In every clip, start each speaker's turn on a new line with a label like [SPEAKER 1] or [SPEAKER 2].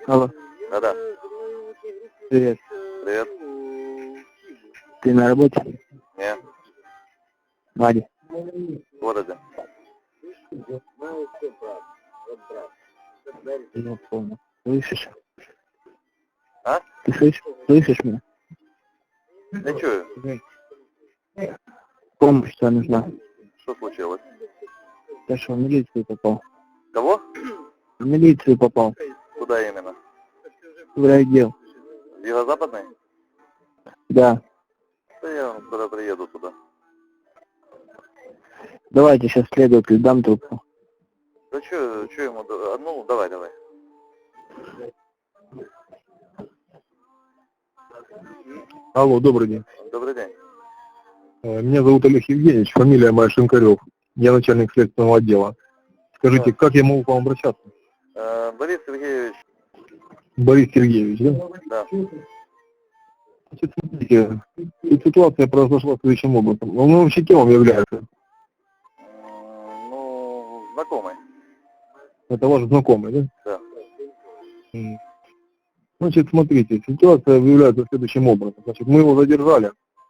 [SPEAKER 1] Алло,
[SPEAKER 2] Да-да.
[SPEAKER 1] привет.
[SPEAKER 2] Привет.
[SPEAKER 1] Ты на работе?
[SPEAKER 2] Не,
[SPEAKER 1] Вадя.
[SPEAKER 2] в городе.
[SPEAKER 1] Я понял. Слышишь?
[SPEAKER 2] А?
[SPEAKER 1] Ты слышишь? Слышишь меня?
[SPEAKER 2] Не чую.
[SPEAKER 1] Помощь тебе нужна.
[SPEAKER 2] Что случилось?
[SPEAKER 1] Ты что, в милицию попал?
[SPEAKER 2] Кого?
[SPEAKER 1] В милицию попал.
[SPEAKER 2] Куда именно?
[SPEAKER 1] В райотдел.
[SPEAKER 2] В Юго-Западный?
[SPEAKER 1] Да.
[SPEAKER 2] Да я скоро приеду туда.
[SPEAKER 1] Давайте сейчас следователь дам трубку.
[SPEAKER 2] Да чё ему... Ну, давай.
[SPEAKER 3] Алло, добрый день.
[SPEAKER 2] Добрый день.
[SPEAKER 3] Меня зовут Олег Евгеньевич, фамилия моя Шинкарев. Я начальник следственного отдела. Скажите,
[SPEAKER 2] Да.
[SPEAKER 3] как я могу к вам обращаться?
[SPEAKER 2] Борис Сергеевич.
[SPEAKER 3] Борис Сергеевич, да?
[SPEAKER 2] Да.
[SPEAKER 3] Значит, смотрите, тут ситуация произошла следующим образом. Он вообще кем является?
[SPEAKER 2] Ну, знакомый.
[SPEAKER 3] Это ваш знакомый, да?
[SPEAKER 2] Да.
[SPEAKER 3] Значит, смотрите, ситуация выявляется следующим образом. Значит, мы его задержали.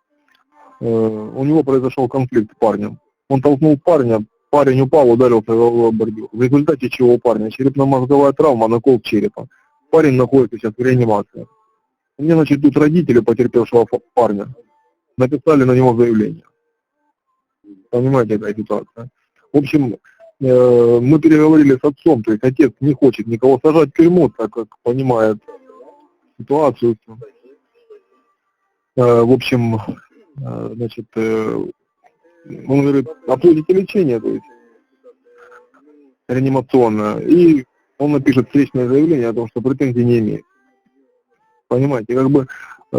[SPEAKER 3] У него произошел конфликт с парнем. Он толкнул парня, парень упал, ударился головой об бордюр. В результате чего у парня черепно-мозговая травма, накол черепа. Парень находится сейчас в реанимации. Мне, значит, тут родители потерпевшего парня написали на него заявление. Понимаете, какая ситуация? В общем, мы переговорили с отцом, то есть отец не хочет никого сажать в тюрьму, так как понимает ситуацию. В общем, значит, он говорит, оплатите лечение, то есть реанимационное, и он напишет встречное заявление о том, что претензий не имеет. Понимаете, как бы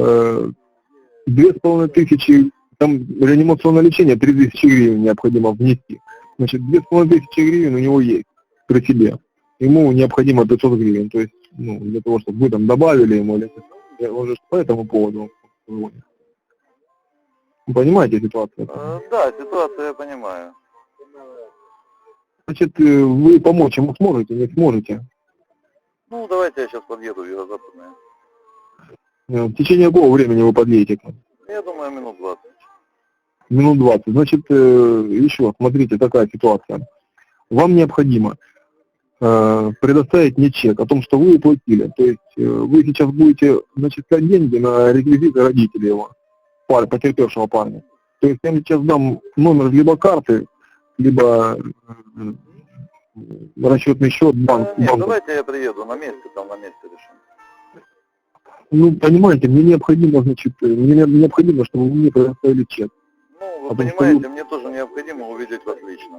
[SPEAKER 3] 2500, там реанимационное лечение 3000 гривен необходимо внести. Значит, 2500 гривен у него есть при себе. Ему необходимо 500 гривен, то есть, ну, для того, чтобы вы там добавили ему, или он же по этому поводу звонит. Вы понимаете ситуацию?
[SPEAKER 2] Да, ситуацию я понимаю.
[SPEAKER 3] Значит, вы помочь ему сможете, не сможете?
[SPEAKER 2] Ну, давайте я сейчас подъеду в Юго-Западное.
[SPEAKER 3] В течение какого времени вы подъедете?
[SPEAKER 2] Я думаю, минут 20.
[SPEAKER 3] Минут 20. Значит, еще, смотрите, такая ситуация. Вам необходимо предоставить мне чек о том, что вы уплатили. То есть вы сейчас будете начислять деньги на реквизиты родителей его, потерпевшего парня. То есть я вам сейчас дам номер либо карты, либо расчетный счет, банк.
[SPEAKER 2] Нет, давайте я приеду на месте, там на месте решим.
[SPEAKER 3] Ну, понимаете, мне необходимо, значит, чтобы вы мне предоставили чек.
[SPEAKER 2] Ну, вы понимаете, мне тоже необходимо увидеть вас лично.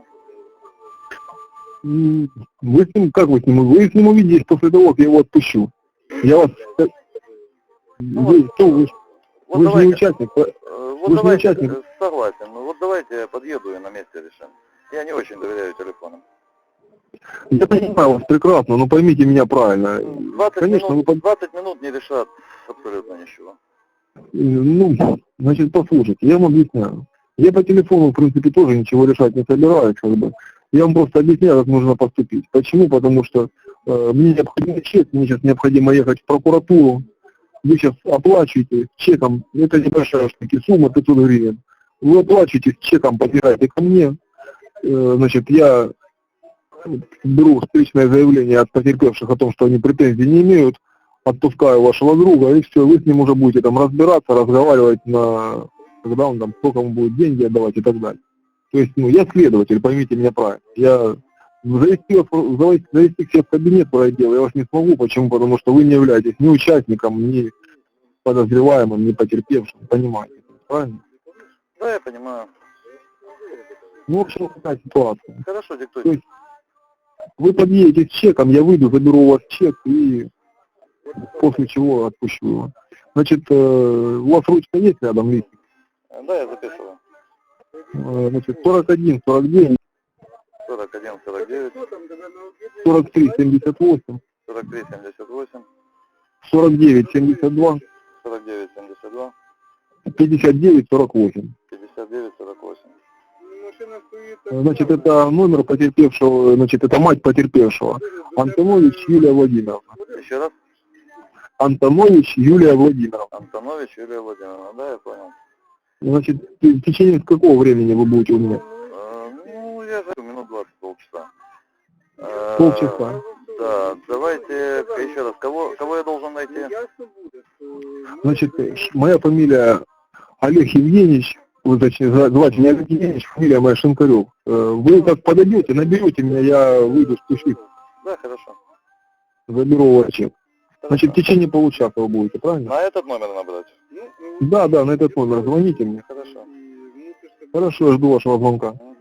[SPEAKER 3] Вы с ним, как вы с ним? Вы с ним увидитесь после того, как я его отпущу. Я вас... Вы же не участник.
[SPEAKER 2] Вот
[SPEAKER 3] Вы же не
[SPEAKER 2] давайте,
[SPEAKER 3] участник.
[SPEAKER 2] согласен, ну вот давайте я подъеду и на месте решим. Я не очень доверяю телефонам.
[SPEAKER 3] Я понимаю вас прекрасно, но поймите меня правильно.
[SPEAKER 2] 20 минут не решат абсолютно ничего.
[SPEAKER 3] Ну, значит, послушайте, я вам объясняю. Я по телефону, в принципе, тоже ничего решать не собираюсь, как бы. Я вам просто объясняю, как нужно поступить. Почему? Потому что мне необходимо чек, мне сейчас необходимо ехать в прокуратуру. Вы сейчас оплачиваете чеком, это небольшая штука, сумма 500 гривен. Вы оплачиваете с чеком, подбираете ко мне. Значит, я беру встречное заявление от потерпевших о том, что они претензий не имеют, отпускаю вашего друга, и все, вы с ним уже будете там разбираться, разговаривать когда он там, сколько ему будет деньги отдавать и так далее. То есть, ну, я следователь, поймите меня правильно. Я завести к себе в кабинет пройдел, я вас не смогу. Почему? Потому что вы не являетесь ни участником, ни подозреваемым, ни потерпевшим. Понимаете, правильно?
[SPEAKER 2] Да, я понимаю.
[SPEAKER 3] Ну, в общем, такая ситуация.
[SPEAKER 2] Хорошо, диктуйте.
[SPEAKER 3] То есть, вы подъедете с чеком, я выйду, заберу у вас чек и после чего отпущу его. Значит, у вас ручка есть рядом, листик?
[SPEAKER 2] Да, я записываю.
[SPEAKER 3] Значит, 41, 49,
[SPEAKER 2] 41, 49,
[SPEAKER 3] 43, 78,
[SPEAKER 2] 43, 78,
[SPEAKER 3] 49, 72,
[SPEAKER 2] 49, 72,
[SPEAKER 3] 59, 48.
[SPEAKER 2] 59, 48.
[SPEAKER 3] Значит, это номер потерпевшего, значит, это мать потерпевшего. Антонович Юлия Владимировна.
[SPEAKER 2] Еще раз?
[SPEAKER 3] Антонович Юлия Владимировна.
[SPEAKER 2] Антонович Юлия Владимировна, да, я понял.
[SPEAKER 3] Значит, в течение какого времени вы будете у меня?
[SPEAKER 2] Ну, я за минут 20, полчаса.
[SPEAKER 3] Полчаса.
[SPEAKER 2] Да, давайте еще раз, кого я должен найти?
[SPEAKER 3] Значит, моя фамилия Олег Евгеньевич, вы, точнее, звать меня Олег Евгеньевич, фамилия моя Шинкарев. Вы как подойдете, наберете меня, я выйду спущусь,
[SPEAKER 2] Да, хорошо.
[SPEAKER 3] заберу ваш чек. Значит, в течение получаса вы будете, правильно?
[SPEAKER 2] На этот номер набрать?
[SPEAKER 3] Да, на этот номер звоните мне.
[SPEAKER 2] Хорошо.
[SPEAKER 3] Хорошо, жду вашего звонка.